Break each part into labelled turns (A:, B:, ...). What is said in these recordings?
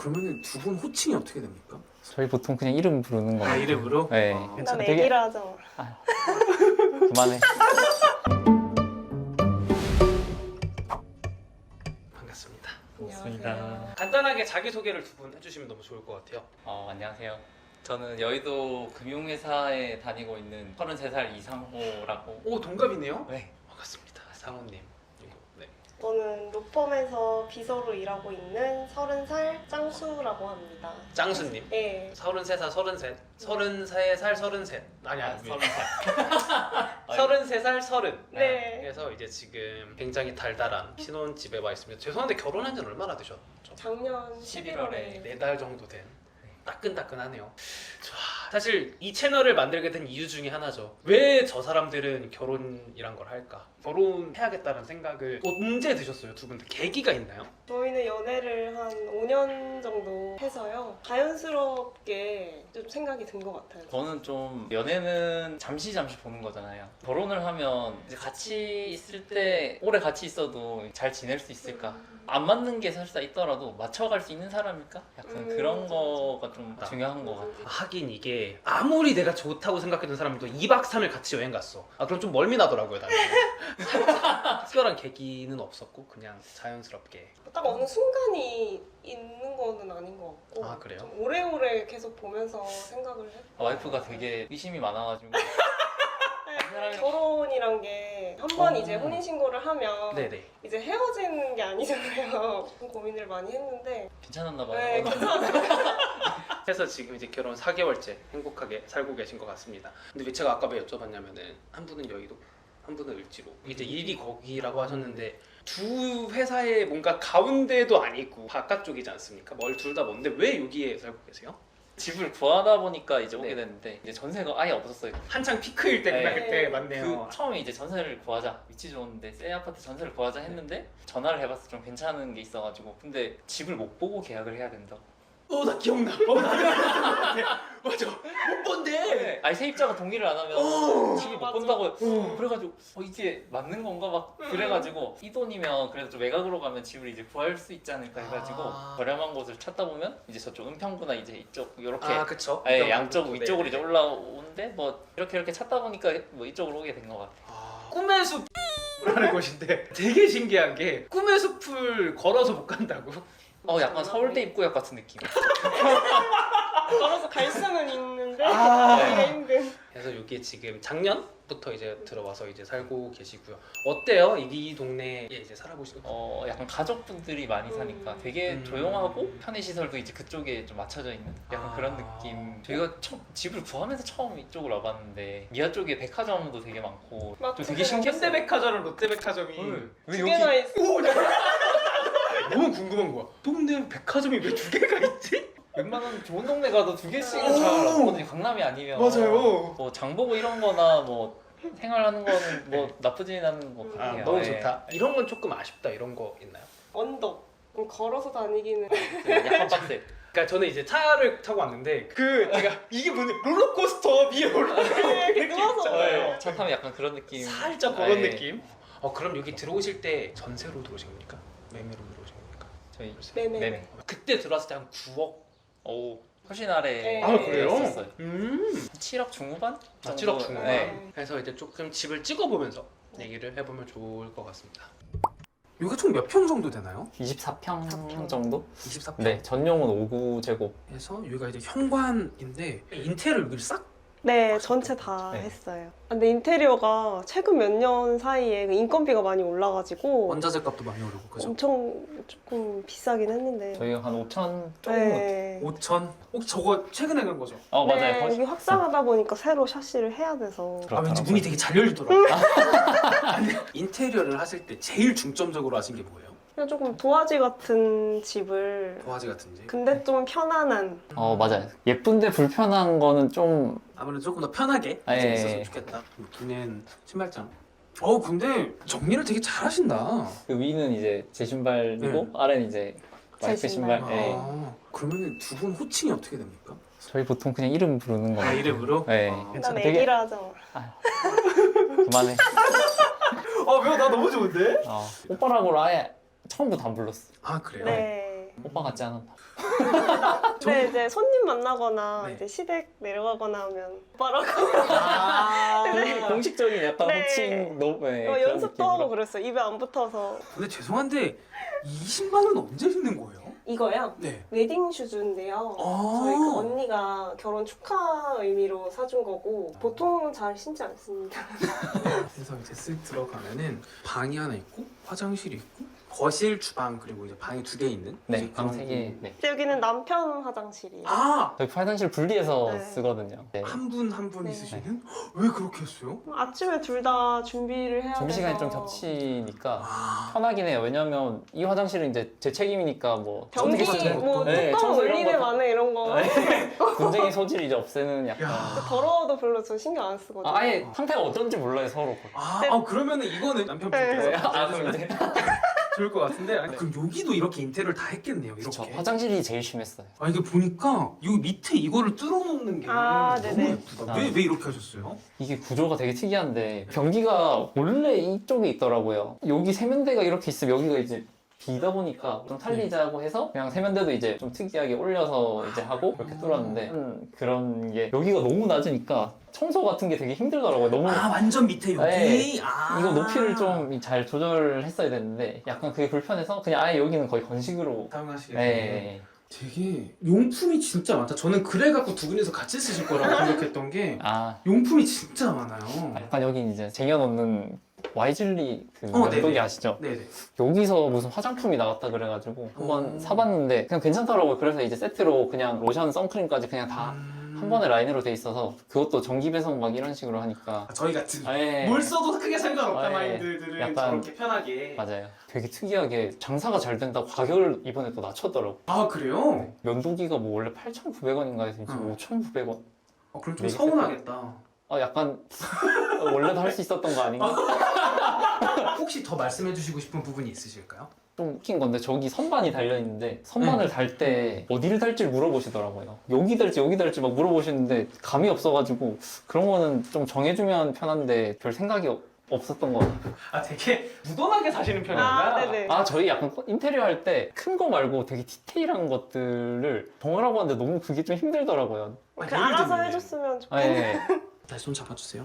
A: 그러면 두 분 호칭이 어떻게 됩니까?
B: 저희 보통 그냥 이름 부르는 거.
A: 아, 이름으로?
B: 네.
A: 아,
C: 난
B: 되게-
C: 애기라 하잖아.
B: 그만해.
A: 반갑습니다.
B: 반갑습니다.
A: 간단하게 자기소개를 두 분 해주시면 너무 좋을 것 같아요.
B: 안녕하세요. 저는 여의도 금융회사에 다니고 있는 33살 이상호라고.
A: 오, 동갑이네요?
B: 네.
A: 반갑습니다. 상호님. 이거, 네.
C: 저는 로펌에서 비서로 일하고 있는 30살 짱수라고 합니다.
A: 짱수님.
C: 네.
A: 33살, 33. 33살, 33. 아니야,
B: 30살.
A: 33살, 30.
C: 네.
A: 그래서 이제 지금 굉장히 달달한 신혼집에 와 있습니다. 죄송한데 결혼한 지는 얼마나 되셨죠?
C: 작년
B: 11월에.
C: 11월에.
A: 4달 정도 된. 따끈따끈하네요. 좋아. 사실 이 채널을 만들게 된 이유 중에 하나죠. 왜 저 사람들은 결혼이란 걸 할까? 결혼해야겠다는 생각을 언제 드셨어요? 두 분 다 계기가 있나요?
C: 저희는 연애를 한 5년 정도 해서요. 자연스럽게 좀 생각이 든 것 같아요.
B: 저는 좀 연애는 잠시 보는 거잖아요. 결혼을 하면 이제 같이 있을 때 오래 같이 있어도 잘 지낼 수 있을까? 안 맞는 게 설사 있더라도 맞춰갈 수 있는 사람일까? 약간 그런
C: 맞아,
B: 거가 좀
A: 맞아.
B: 중요한 것 같아요.
A: 하긴 이게 아무리 내가 좋다고 생각했던 사람도 2박 3일 같이 여행 갔어. 아 그럼 좀 멀미 나더라고요 나는. 특별한 계기는 없었고 그냥 자연스럽게.
C: 딱 어느 순간이 있는 거는 아닌 것 같고.
A: 아, 그래요?
C: 좀 오래오래 계속 보면서 생각을 했고.
B: 와이프가 되게 의심이 많아가지고 사람이-
C: 결혼이란 게 한 번
A: 어.
C: 이제 혼인신고를 하면
A: 네네.
C: 이제 헤어지는 게 아니잖아요. 좀 고민을 많이 했는데
B: 괜찮았나 봐요.
C: 네, 괜찮아요.
A: 그래서 지금 이제 결혼 4개월째 행복하게 살고 계신 것 같습니다. 근데 왜 제가 아까 왜 여쭤봤냐면은 한 분은 여의도, 한 분은 을지로. 이제 일이 거기라고 하셨는데 두 회사의 뭔가 가운데도 아니고 바깥쪽이지 않습니까? 뭘 둘 다 먼데 왜 여기에 살고 계세요?
B: 집을 구하다 보니까 이제 오게
A: 네.
B: 됐는데 이제 전세가 아예 없었어요.
A: 한창 피크일 때
B: 네.
A: 그때 맞네요.
B: 처음에 이제 전세를 구하자, 위치 좋은데 새 아파트 전세를 구하자 했는데 전화를 해봤을 때 좀 괜찮은 게 있어가지고 근데 집을 못 보고 계약을 해야 된다.
A: 나 기억나. 나 기억나. 맞아. 못 본데.
B: 아니 세입자가 동의를 안 하면 집을 못
C: 맞아.
B: 본다고. 그래가지고 이게 맞는 건가 막 그래가지고 이 돈이면 그래도 좀 외곽으로 가면 집을 이제 구할 수 있지 않을까 해가지고
A: 아.
B: 저렴한 곳을 찾다 보면 이제 저쪽 은평구나 이제 이쪽 이렇게
A: 그쵸.
B: 아예 양쪽
A: 네.
B: 위쪽으로 이제 올라오는데 뭐 이렇게 찾다 보니까 뭐 이쪽으로 오게 된 것 같아요.
A: 꿈의 숲이라는 곳인데 되게 신기한 게 꿈의 숲을 걸어서 못 간다고.
B: 약간 서울대 입구역 같은 느낌.
C: 걸어서 갈 수는 있는데
A: 아.
C: 가기가 힘든.
A: 그래서 여기 지금 작년부터 이제 들어와서 이제 살고 계시고요. 어때요? 이 동네에 이제 살아보시고.
B: 약간 가족분들이 많이 사니까 되게 조용하고 편의시설도 이제 그쪽에 좀 맞춰져 있는 약간 그런 느낌. 저희가 집을 구하면서 처음 이쪽으로 와봤는데 미아 쪽에 백화점도 되게 많고 좀 되게 신기했어요.
A: 현대백화점, 롯데백화점이
B: 왜
C: 두 개나 있어.
A: 너무 궁금한 거야. 동네 백화점이 왜 두 개가 있지?
B: 웬만한 좋은 동네 가도 두 개씩은
A: 오!
B: 잘 없거든요. 강남이 아니면
A: 맞아요.
B: 뭐 장보고 이런 거나 뭐 생활하는 거는 뭐 나쁘진 않은 것 같아요.
A: 너무
B: 예.
A: 좋다. 이런 건 조금 아쉽다 이런 거 있나요?
C: 언덕. 걸어서 다니기는
B: 약간 빡세.
A: 그러니까 저는 이제 차를 타고 왔는데 제가 이게 뭐냐 롤러코스터 위에
C: 이렇게 누워서
A: 있잖아요.
B: 차 타면 약간 그런 느낌.
A: 살짝 그런
B: 예.
A: 느낌. 그럼 여기 들어오실 때 전세로 들어오신 겁니까? 매매로 들어오신 겁니까?
B: 저희
C: 매매.
B: 네네.
A: 그때 들어왔을 때 한 9억.
B: 오 훨씬 아래.
C: 네.
A: 아 그래요?
B: 있었어요. 7억 중후반?
A: 7억 중반.
B: 네.
A: 그래서 이제 조금 집을 찍어보면서 얘기를 해보면 좋을 것 같습니다. 여기가 총 몇 평 정도 되나요?
B: 24평
C: 24평.
B: 정도?
A: 24평.
B: 네, 전용은 5구제곱.
A: 그래서 여기가 이제 현관인데 인테리어를 여기를 싹.
C: 네, 전체 다
B: 네.
C: 했어요. 근데 인테리어가 최근 몇 년 사이에 그 인건비가 많이 올라가지고
A: 원자재 값도 많이 오르고 그죠?
C: 엄청 조금 비싸긴 했는데.
B: 저희가 한 5천 조금.
C: 네.
A: 5천. 혹시 저거 최근에 간 거죠?
B: 맞아요.
C: 네, 여기 확장하다 보니까 새로 샤시를 해야 돼서.
A: 왠지
B: 그렇더라고요.
A: 문이 되게 잘 열리더라고요. 아니, 인테리어를 하실 때 제일 중점적으로 하신 게 뭐예요?
C: 그냥 조금 도화지 같은 집을.
A: 도화지 같은지.
C: 근데 좀 편안한.
B: 맞아요. 예쁜데 불편한 거는 좀
A: 아무래도 조금 더 편하게
B: 예.
A: 있었으면 좋겠다. 여기는 신발장. 근데 정리를 되게 잘 하신다.
B: 그 위는 이제 제 신발이고 아래는 이제 와이프
C: 제
B: 신발.
C: 신발.
B: 네.
A: 그러면 두 분 호칭이 어떻게 됩니까?
B: 저희 보통 그냥 이름 부르는 거.
A: 이름으로?
B: 네.
C: 난
B: 되게-
C: 애기라 하잖아.
B: 그만해.
A: 왜? 나 너무 좋은데?
B: 오빠라고 아예 처음부터 안 불렀어.
A: 아 그래요?
C: 네.
B: 오빠 같지 않았나?
C: 근데 이제 손님 만나거나
A: 네.
C: 이제 시댁 내려가거나 하면 오빠라고
B: 공식적인 약간
C: 네.
B: 호칭 너무 네, 그런
C: 연습도
B: 느낌으로.
C: 하고 그랬어요. 입에 안 붙어서.
A: 근데 죄송한데 20만 원 언제 주는 거예요?
C: 이거요?
A: 네.
C: 웨딩 슈즈인데요.
A: 아.
C: 저희 그 언니가 결혼 축하 의미로 사준 거고 보통은 잘 신지 않습니다.
A: 그래서 이제 쓱 들어가면은 방이 하나 있고 화장실이 있고 거실, 주방 그리고 이제 방이 2개 있는.
B: 네,
A: 이제
B: 방
A: 그런
B: 3개. 네.
C: 근데 여기는 남편 화장실이에요.
A: 아!
B: 저희 화장실 분리해서
C: 네.
B: 쓰거든요. 네.
A: 한 분 한 분
C: 네.
A: 있으시는? 왜 그렇게 했어요?
C: 아침에 둘 다 준비를 해야
B: 준비 시간이 좀
C: 돼서
B: 겹치니까
A: 아.
B: 편하긴 해요. 왜냐면 이 화장실은 이제 제 책임이니까 뭐
C: 변기
A: 청소 같은
C: 뭐
A: 것도.
B: 네,
C: 뚜껑
B: 청소 이런
C: 올리네
B: 거.
C: 마네 이런 거
B: 분쟁의 소지를 이제 없애는 약간
A: 야.
C: 더러워도 별로 저 신경 안 쓰거든요.
B: 아예 상태가 어떤지 몰라요 서로.
A: 그러면은 이거는 남편분께서
C: 네.
B: 그럼 이제
A: 좋을 것 같은데 아니, 그럼 여기도 이렇게 인테리어를 다 했겠네요
B: 그쵸,
A: 이렇게.
B: 화장실이 제일 심했어요.
A: 아 이게 보니까 여기 밑에 이거를 뚫어놓는 게
C: 아,
A: 너무
C: 네네.
A: 예쁘다.
B: 아.
A: 왜 이렇게 하셨어요?
B: 이게 구조가 되게 특이한데 변기가 원래 이쪽에 있더라고요. 여기 세면대가 이렇게 있으면 여기가 이제 비다 보니까 좀 살리자고 해서 그냥 세면대도 이제 좀 특이하게 올려서 이제 하고 그렇게 뚫었는데 그런 게 여기가 너무 낮으니까 청소 같은 게 되게 힘들더라고요. 너무
A: 아 완전 밑에 여기?
B: 네.
A: 아.
B: 이거 높이를 좀 잘 조절했어야 되는데 약간 그게 불편해서 그냥 아예 여기는 거의 건식으로
A: 사용하시겠네요.
B: 네.
A: 되게 용품이 진짜 많다. 저는 그래갖고 두 분이서 같이 쓰실 거라고 생각했던 게
B: 아
A: 용품이 진짜 많아요.
B: 약간 여기 이제 쟁여놓는 와이즐리 그
A: 네네.
B: 면도기 아시죠?
A: 네네.
B: 여기서 무슨 화장품이 나왔다 그래가지고 한번
A: 오.
B: 사봤는데 그냥 괜찮더라고요. 그래서 이제 세트로 그냥 로션, 선크림까지 그냥 다 한 번에 라인으로 돼 있어서 그것도 전기 배송 막 이런 식으로 하니까
A: 저희 같은
B: 예.
A: 뭘 써도 크게 상관없다
B: 아, 예.
A: 마인드들은
B: 약간-
A: 저렇게 편하게.
B: 맞아요. 되게 특이하게 장사가 잘 된다고 가격을 이번에 또 낮췄더라고.
A: 아 그래요?
B: 면도기가 뭐 원래 8,900원인가 해서 이제
A: 응.
B: 5,900원.
A: 그럼 좀
B: 네,
A: 서운하겠다.
B: 약간 원래도 할 수 있었던 거 아닌가?
A: 혹시 더 말씀해주시고 싶은 부분이 있으실까요?
B: 좀 웃긴 건데 저기 선반이 달려 있는데 선반을 달 때 어디를 달지를 물어보시더라고요. 여기 달지 막 물어보시는데 감이 없어가지고 그런 거는 좀 정해주면 편한데 별 생각이 없었던 거 같아요.
A: 아 되게 무던하게 사시는 편인가?
C: 아, 네네.
B: 아 저희 약간 인테리어 할 때 큰 거 말고 되게 디테일한 것들을 정하라고 하는데 너무 그게 좀 힘들더라고요.
C: 그 알아서 해줬으면 좋겠
B: 아, 예.
A: 다시 손 잡아주세요.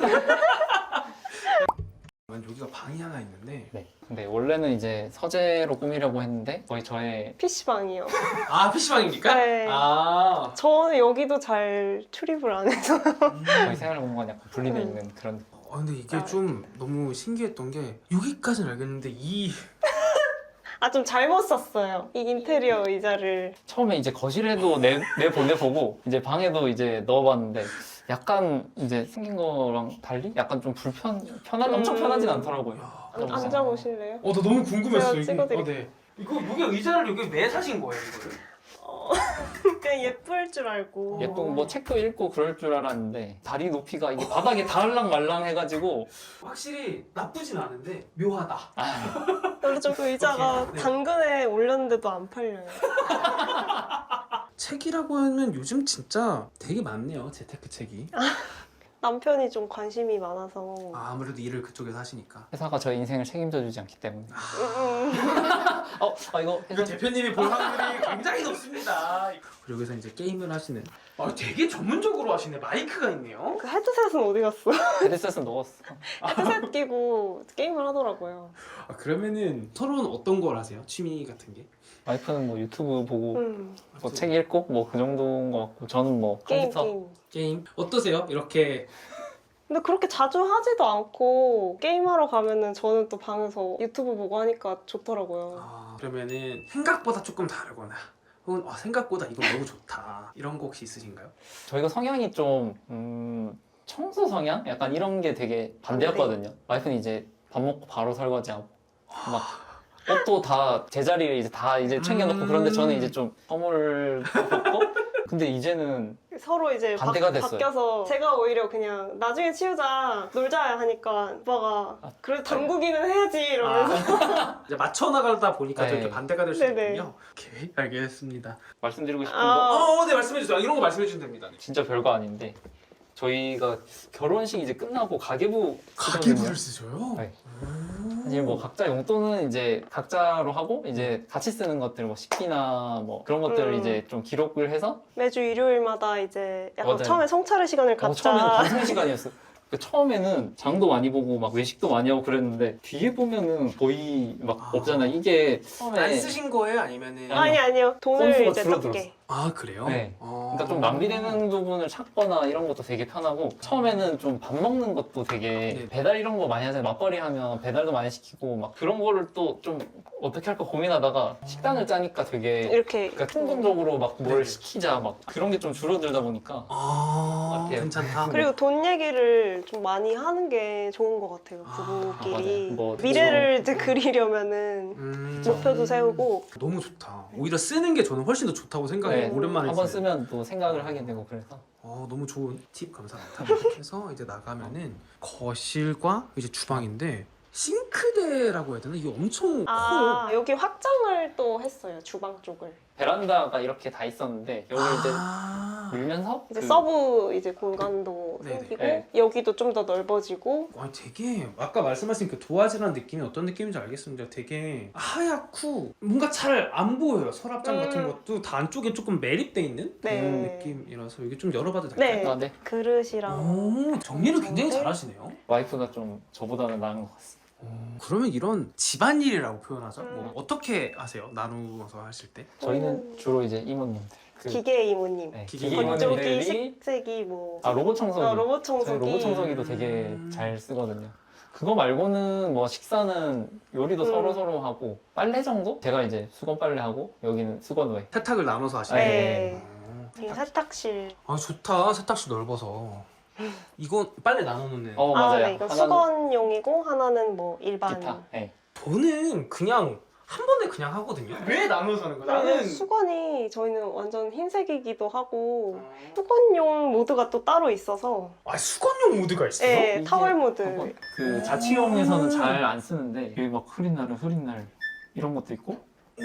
A: 여기가 방이 하나 있는데
B: 네. 근데 원래는 이제 서재로 꾸미려고 했는데 거의 저의
C: PC방이요.
A: 아 PC방입니까?
C: 네.
A: 아
C: 저는 여기도 잘 출입을 안 해서.
B: 저희 생활 공간 약간 분리돼 있는 그런.
A: 근데 이게
C: 아.
A: 좀 너무 신기했던 게 여기까지는 알겠는데 이
C: 아, 좀 잘못 샀어요. 이 인테리어 의자를.
B: 처음에 이제 거실에도 내보내보고 이제 방에도 이제 넣어봤는데 약간 이제 생긴 거랑 달리 약간 좀 엄청 편하진 않더라고요.
A: 야,
C: 앉아보실래요?
A: 나 너무 궁금했어.
C: 제가 찍어드릴게요.
A: 네. 이거 여기 의자를 여기 왜 사신 거예요 이거를?
C: 그냥 예쁠 줄 알고.
B: 예쁘고 뭐 책도 읽고 그럴 줄 알았는데 다리 높이가 이게 바닥에 닿을랑 말랑 해가지고
A: 확실히 나쁘진 않은데 묘하다.
C: 원래 좀 그 의자가
A: 오케이. 네.
C: 당근에 올렸는데도 안 팔려요.
A: 책이라고 하면 요즘 진짜 되게 많네요 재테크 책이.
C: 남편이 좀 관심이 많아서.
A: 아무래도 일을 그쪽에서 하시니까.
B: 회사가 저희 인생을 책임져 주지 않기 때문에 이거
A: 이거 대표님이 볼 확률이 굉장히 높습니다. 그리고 여기서 이제 게임을 하시는. 되게 전문적으로 하시네. 마이크가 있네요.
C: 그 헤드셋은 어디 갔어?
B: 헤드셋은 넣었어.
C: 헤드셋 끼고 게임을 하더라고요.
A: 그러면은 서로는 어떤 걸 하세요? 취미 같은 게?
B: 와이프는 뭐 유튜브 보고
C: 음,
B: 뭐 책 읽고 뭐 그 정도인 것 같고 저는 뭐
C: 게임,
B: 컴퓨터
C: 게임.
A: 게임 어떠세요? 이렇게
C: 근데 그렇게 자주 하지도 않고 게임하러 가면은 저는 또 방에서 유튜브 보고 하니까 좋더라고요.
A: 그러면은 생각보다 조금 다르거나 혹은 생각보다 이거 너무 좋다 이런 거 혹시 있으신가요?
B: 저희가 성향이 좀 청소 성향? 약간 이런 게 되게 반대였거든요. 와이프는 이제 밥 먹고 바로 설거지하고 막 옷도 다 제자리에 이제 다 이제 챙겨놓고 그런데 저는 이제 좀 허물 벗고 근데 이제는
C: 서로 이제
B: 반대가 됐어요.
C: 바뀌어서 제가 오히려 그냥 나중에 치우자 놀자 하니까 오빠가 그래도 당구기는 해야지 이러면서
A: 이제 맞춰 나가다 보니까
B: 네.
A: 이렇게 반대가 될 수
C: 네네.
A: 있군요. 오케이 알겠습니다.
B: 말씀드리고 싶은
C: 아.
B: 거
A: 네 말씀해 주세요. 이런 거 말씀해 주시면 됩니다.
B: 진짜 별거 아닌데 저희가 결혼식 이제 끝나고 가계부
A: 가계부를
B: 쓰거든요.
A: 쓰셔요?
B: 네.
A: 오.
B: 사실 뭐 각자 용돈은 이제 각자로 하고 이제 같이 쓰는 것들 뭐 식비나 뭐 그런 것들을 이제 좀 기록을 해서
C: 매주 일요일마다 이제 약간
B: 맞아요.
C: 처음에 성찰의 시간을 갖자.
B: 처음에는 방송 시간이었어. 처음에는 장도 많이 보고 막 외식도 많이 하고 그랬는데 뒤에 보면은 거의 막 없잖아. 이게 처음에
A: 안 쓰신 거예요? 아니면은
C: 아니요. 돈을
B: 건수가
C: 이제
B: 줄어들었어.
C: 적게.
A: 아 그래요?
B: 네.
A: 어.
B: 그러니까 좀 낭비되는 부분을 찾거나 이런 것도 되게 편하고 처음에는 좀 밥 먹는 것도 되게
A: 네.
B: 배달 이런 거 많이 하잖아요. 맞벌이 하면 배달도 많이 시키고 막 그런 거를 또 좀 어떻게 할까 고민하다가 식단을 짜니까 되게
C: 이렇게.
B: 그러니까 충동적으로 막 뭘
A: 네.
B: 시키자 막 그런 게 좀 줄어들다 보니까
A: 아
B: 같아요.
A: 괜찮다.
C: 그리고 돈 얘기를 좀 많이 하는 게 좋은 것 같아요.
A: 아,
C: 부부끼리.
B: 맞아요. 뭐
C: 미래를 이제 그리려면은 목표도 세우고.
A: 너무 좋다. 오히려 쓰는 게 저는 훨씬 더 좋다고 생각해요.
B: 네,
A: 오랜만에
B: 한번
A: 쓰네.
B: 쓰면 또 생각을 하게 되고 그래서
A: 너무 좋은 팁 감사합니다. 그래서 이제 나가면은 거실과 이제 주방인데 싱크대라고 해야 되나? 이게 엄청 커요.
C: 여기 확장을 또 했어요. 주방 쪽을.
B: 베란다가 이렇게 다 있었는데 여기 이제
A: 아.
B: 밀면서
C: 이제
B: 그
C: 서브 이제 공간도
A: 네네.
C: 생기고
B: 네.
C: 여기도 좀 더 넓어지고.
A: 와 되게 아까 말씀하신 그 도화지라는 느낌이 어떤 느낌인지 알겠습니다. 되게 하얗고 뭔가 잘 안 보여요. 서랍장 같은 것도 다 안쪽에 조금 매립돼 있는
C: 네.
A: 느낌이라서 이게 좀 열어봐도
C: 네.
A: 될까요?
B: 아, 네.
C: 그릇이랑.
A: 오 정리를 굉장히 잘하시네요.
B: 와이프가 좀 저보다는 나은 것 같습니다.
A: 그러면 이런 집안일이라고 표현하죠? 뭐 어떻게 하세요? 나누어서 하실 때?
B: 저희는 주로 이제 이모님들 그
C: 기계 이모님.
B: 네,
A: 기계
B: 기계
C: 건조기,
B: 이모님들이
C: 식세기 뭐.
B: 로봇 청소기
C: 로봇 청소기.
B: 로봇 청소기도 되게 잘 쓰거든요. 그거 말고는 뭐 식사는 요리도 서로 하고 빨래 정도? 제가 이제 수건 빨래 하고 여기는 수건외.
A: 세탁을 나눠서 하시는
C: 네.
A: 거예요?
C: 이 세탁실.
A: 아 좋다. 세탁실 넓어서. 이건 빨래 나눠놓는.
B: 맞아요.
C: 네, 이거
B: 하나는
C: 수건용이고 하나는 뭐 일반.
B: 기타. 네.
A: 저는 그냥 한 번에 그냥 하거든요. 왜 나눠서 하는 거야?
C: 나는
A: 나는
C: 수건이 저희는 완전 흰색이기도 하고 수건용 모드가 또 따로 있어서
A: 수건용 모드가 있어요?
C: 네,
B: 이게
C: 타월 모드.
B: 그 자취용에서는 잘 안 쓰는데 여기 막 흐린 날 이런 것도 있고.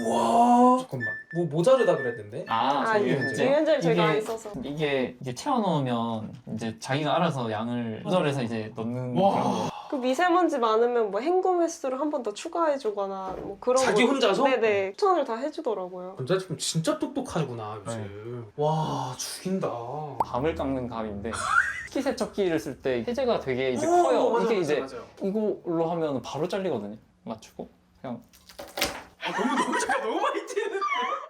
A: 와 잠깐만 뭐 모자르다 그랬는데?
C: 유연제를 저희가 안 써서.
B: 이게 채워놓으면 이제 자기가 알아서 양을 조절해서 이제 넣는
A: 와.
B: 그런 거.
C: 그 미세먼지 많으면 뭐 헹굼 횟수를 한 번 더 추가해주거나 뭐 그런
A: 자기
C: 거.
A: 혼자서?
C: 네네 추천을 다 해주더라고요.
A: 남자친구 진짜 똑똑하구나 요즘. 와 죽인다.
B: 밤을 깎는 감인데 식기세척기를 쓸 때 세제가 되게 이제
A: 오,
B: 커요.
A: 맞아,
B: 이게
A: 맞아,
B: 이제
A: 맞아요.
B: 이걸로 하면 바로 잘리거든요. 맞추고 그냥
A: 너무 잠깐 너무